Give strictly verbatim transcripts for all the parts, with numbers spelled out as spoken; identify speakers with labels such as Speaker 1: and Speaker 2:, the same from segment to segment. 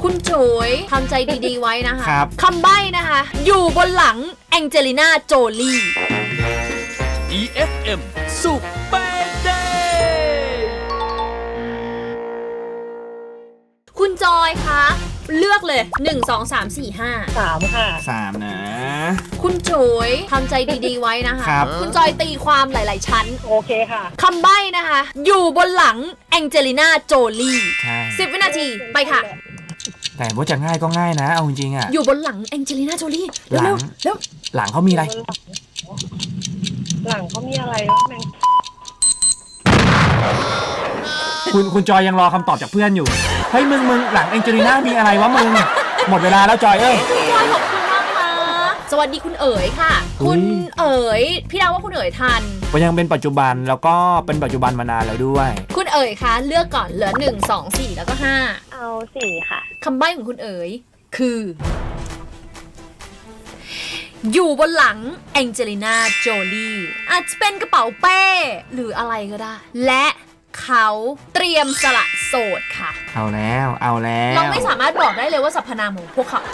Speaker 1: คุณจุ๋ยทำใจดีๆไว้นะคะ
Speaker 2: ครับ
Speaker 1: คำใบ้นะคะอยู่บนหลังแองเจลิน่าโจลี
Speaker 3: อี เอฟ เอ็ม สุขเปเดย์
Speaker 1: คุณจอยคะเลือกเลยหนึ่ง สอง สาม สี่ ห้า
Speaker 4: สามค่ะ
Speaker 2: สามนะ
Speaker 1: คุณจุ๋ยทำใจดีๆไว้นะคะ
Speaker 2: ครับ
Speaker 1: คุณจอยตีความหลายๆชั้น
Speaker 4: โอเคค่ะ
Speaker 1: คำใบ้นะคะอยู่บนหลังแองเจลิน่าโจลี
Speaker 2: ใช่
Speaker 1: สิบวินาทีไปค่ะ
Speaker 2: แต่ว่าจะง่ายก็ง่ายนะเอาจริงๆอ่ะ
Speaker 1: อยู่บนหลังแองเจลิน่าโจลี
Speaker 2: หลัง
Speaker 1: เร็วๆเร็ว
Speaker 2: หลังเขามีอะไร
Speaker 4: หลังเขามีอะไรวะแมง
Speaker 2: คุณคุณจอยยังรอคำตอบจากเพื่อนอยู่เฮ้ยมึงมึงหลังแองเจลิน่ามีอะไรวะมึงหมดเวลาแล้วจอยเอ้ย
Speaker 1: จอยขอบคุณมากนะสวัสดีคุณเอ๋ยค่ะ
Speaker 2: อุ๊
Speaker 1: คุ
Speaker 2: ย
Speaker 1: ณเอ๋ยพี่ดาวว่าคุณเอ๋ยทัน
Speaker 2: ก็ยังเป็นปัจจุบันแล้วก็เป็นปัจจุบันมานานแล้วด้วย
Speaker 1: คุณเอ๋ยคะเลือกก่อนเหลือหนึ่ง สอง สี่แล้วก็ห้า
Speaker 4: เอาสี่ค่ะ
Speaker 1: คำใบ้ของคุณเอ๋ยคือ อยู่บนหลังแองเจลิน่าโจลีอาจจะเป็นกระเป๋าเป้หรืออะไรก็ได้ และเขาเตรียมสละโสดค่ะ
Speaker 2: เอาแล้วเอาแล้ว
Speaker 1: เราไม่สามารถบอกได้เลยว่าสรรพนามของพวกเขา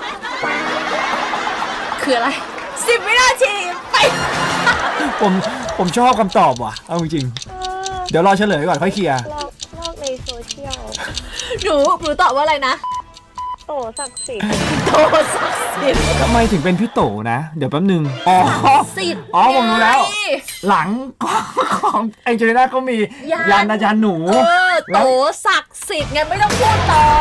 Speaker 1: คืออะไรสิบวินาทีไป
Speaker 2: ผมผมชอบคำตอบว่ะเอาจริงๆเดี๋ยวรอเฉลยก่อนค่อยเคลียร์
Speaker 4: ลอกลอกในโซเชียล
Speaker 1: หนูหนูตอบว่าอะไรนะ
Speaker 4: โตศักดิ์สิทธิ์
Speaker 1: โตศักดิ์สิทธิ์
Speaker 2: ทำไมถึงเป็นพี่โตนะ เดี๋ยวแป๊บนึงอ๋อ
Speaker 1: สิทธิ์
Speaker 2: อ๋อผมรู้แล้ว
Speaker 1: ไง
Speaker 2: หลังของแองเจลิน่าก็มี
Speaker 1: ยัน
Speaker 2: ยันอาจารย์หนู
Speaker 1: เออโตศักดิ์สิทธิ์ไงไม่ต้องพูดต่อ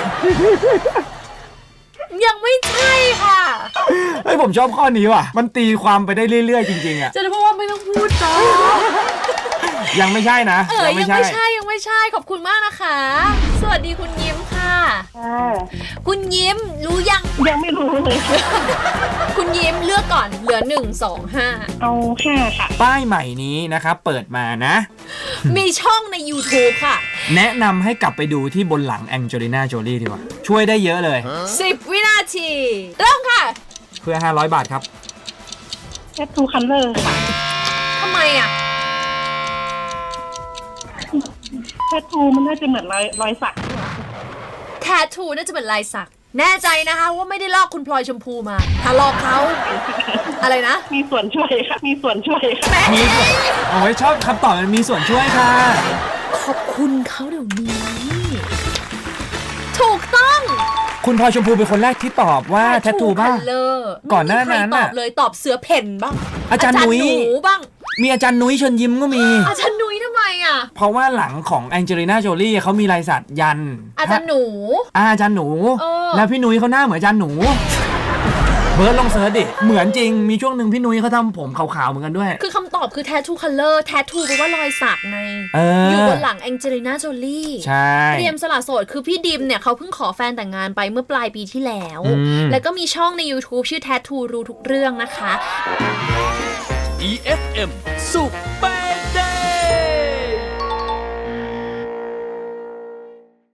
Speaker 1: ยังไม่ใช่ค่ะ
Speaker 2: เฮ้ยผมชอบข้อนี้ว่ะ มันตีความไปได้เรื่อยๆจริงๆอ่ะ
Speaker 1: จะได้พูดว่าไม่ต้องพูดต่อ
Speaker 2: ยังไม่ใช่นะ
Speaker 1: เออยังไม่ใช่ยังไม่ใช่ขอบคุณมากนะคะ สวัสดีคุณยิ้มค่ะ
Speaker 4: อ่า
Speaker 1: คุณยิ้มรู้ยัง
Speaker 4: ยังไม่รู้เลย
Speaker 1: คุณยิ้มเลือกก่อนเหลือหนึ่ง สอง ห้า
Speaker 4: เอาห้าค่ะ
Speaker 2: ป้ายใหม่นี้นะครับเปิดมานะ
Speaker 1: มีช่องใน YouTube ค่ะ
Speaker 2: แนะนำให้กลับไปดูที่บนหลังแองเจลิน่าโจลี่ดีกว่า ช่วยได้เยอะเลย
Speaker 1: สิบ วินาทีเริ่มค่ะ
Speaker 2: เพื่อห้าร้อยบาทครับ
Speaker 4: แคททูคัลเลอร์ค่ะ
Speaker 1: ทำไมอ่ะ
Speaker 4: แคททูมันน่าจะเหมือนรอยรอยสักใช่ไหม
Speaker 1: แททูน่าจะเป็นลายสัก แน่ใจนะคะว่าไม่ได้ลอกคุณพลอยชมพูมา ถ้าลอกเขาอะไรนะ
Speaker 4: มีส่วนช่วยค่ะ มีส่วนช่วยค่ะ
Speaker 2: มีส่วนโอ้ยชอบคำตอบมันมีส่วนช่วยค่ะ
Speaker 1: ขอบคุณเขาเดี๋ยวนี้ ถูกต้อง
Speaker 2: คุณพลอยชมพูเป็นคนแรกที่ตอบว่าแททูบ้าง
Speaker 1: เลอร์
Speaker 2: ก่อนหน้านั้น
Speaker 1: ตอ
Speaker 2: น่ะ
Speaker 1: บเลยตอบเสือเพ่นบ้าง
Speaker 2: อาจารย์นุ้ย
Speaker 1: หนูบ้าง
Speaker 2: มีอาจารย์นุ้ยเชิญยิ้มก็มี
Speaker 1: อาจารย์นุ้ยทำไมอ่ะ
Speaker 2: เพราะว่าหลังของแองเจลิน่าโจลี่เขามีลายสักยัน
Speaker 1: อาจารย์หนู
Speaker 2: อ่าอาจารย์หนู
Speaker 1: เออ
Speaker 2: แล้วพี่นุ้ยเขาหน้าเหมือนอาจารย์หนู เบิร์ดลองเสิร์ชดิ เหมือนจริง มีช่วงหนึ่งพี่นุ้ยเขาทำผมขาวๆเหมือนกันด้วย
Speaker 1: คือคำตอบคือ tattoo color tattoo แปลว่ารอยสักไง
Speaker 2: เออ
Speaker 1: อ
Speaker 2: อยู่
Speaker 1: บนหลังแองเจลิน่าโจลี่
Speaker 2: ใช่
Speaker 1: เตรียมสละโสดคือพี่ดิมเนี่ยเขาเพิ่งขอแฟนแต่งงานไปเมื่อปลายปีที่แล้ว
Speaker 2: อืม
Speaker 1: แล้วก็มีช่องใน YouTube ชื่อ tattoo รู้ทุกเรื่องนะคะ
Speaker 3: อี เอฟ เอ็ม สุขเป